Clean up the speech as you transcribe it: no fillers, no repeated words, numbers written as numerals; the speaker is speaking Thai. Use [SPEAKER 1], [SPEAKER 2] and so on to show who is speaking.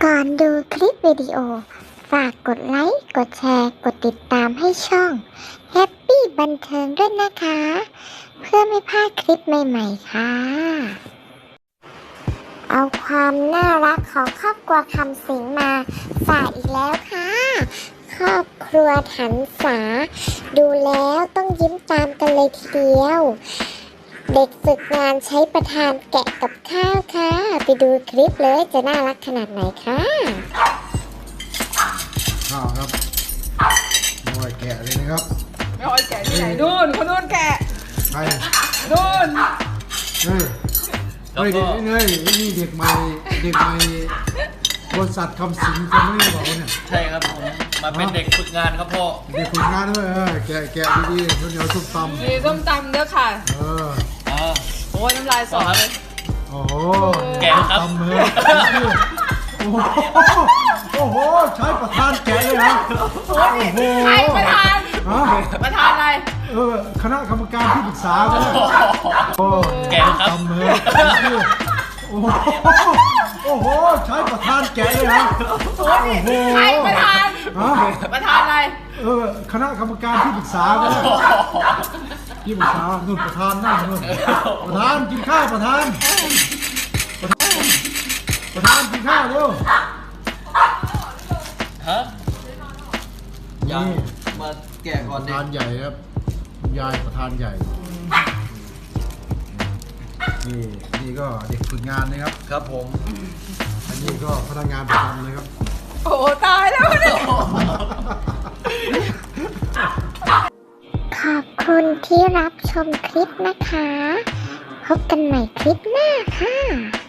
[SPEAKER 1] ก่อนดูคลิปวิดีโอฝากกดไลค์ กดแชร์ กดติดตามให้ช่อง Happy บันเทิงด้วยนะคะ เพื่อไม่พลาดคลิปใหม่ๆค่ะ เอาความน่ารักของครอบครัวคำสิงมาฝากอีกแล้วค่ะ ครอบครัวถันษาดูแล้วต้องยิ้มตามกันเลยทีเดียว เด็กฝึกงานใช้ประธานแกะกับข้าวค่ะ ไปดูคลิปเลยจะน่ารักขนาดไหนค่ะ
[SPEAKER 2] ข้าวครับไม่ไหวแกะเลยนะครับ
[SPEAKER 3] ไม่ค่อยแกะที่ไหนนู่นคนนู่นแกะ
[SPEAKER 2] ไป
[SPEAKER 3] นู่น
[SPEAKER 2] เฮ้ยเฮ้ยเด็กนี่เด็กใหม่บริษัทคำสิงคนนี้บอกว่าเนี่ย
[SPEAKER 4] ใช่ครับผมมาเป็นเด็กฝึกงานครับพ่อ
[SPEAKER 2] เด็กฝึกงานด้วยแกะดีๆข้าวเหนียวส้มตำ
[SPEAKER 3] มีส้มตำเด้อค่ะ
[SPEAKER 4] อ่า
[SPEAKER 3] โอ้ยน้ำลายสอเลย
[SPEAKER 2] โอ้โห
[SPEAKER 4] แกะครับ
[SPEAKER 2] ตำเลยโอ้โหใช้ประธานแกะเลยนะโอ้โห
[SPEAKER 3] ใครประธาน
[SPEAKER 2] ฮะ
[SPEAKER 3] ประธานอะไร
[SPEAKER 2] คณะกรรมการที่ปรึกษาก็ได้โอ้
[SPEAKER 4] แกะครับ
[SPEAKER 2] ตำเลยโอ้โหใช้ประธานแกะเลยนะโอ้โห
[SPEAKER 3] ใครประธาน
[SPEAKER 2] ฮะ
[SPEAKER 3] ประธานอะไร
[SPEAKER 2] คณะกรรมการที่ปรึกษาก็ได้ที่ปรึกษานู่นประธานนั่งนู่นประธานกินข้าวประธานกินข้าวเร็ว
[SPEAKER 4] ฮะ
[SPEAKER 2] นี่
[SPEAKER 4] มาแกะก่
[SPEAKER 2] ป
[SPEAKER 4] อน
[SPEAKER 2] ระ
[SPEAKER 4] ดิ
[SPEAKER 2] ธานใหญ่ครับยายประธานใหญ่นี่ก็เด็กฝึกงานนะครับ
[SPEAKER 4] ครับผม
[SPEAKER 2] อันนี้ก็พนักงานประจำนะครับ
[SPEAKER 3] โอ้ตายแล้วเนี่ย
[SPEAKER 1] ขอบคุณที่รับชมคลิปนะคะ พบกันใหม่คลิปหน้าค่ะ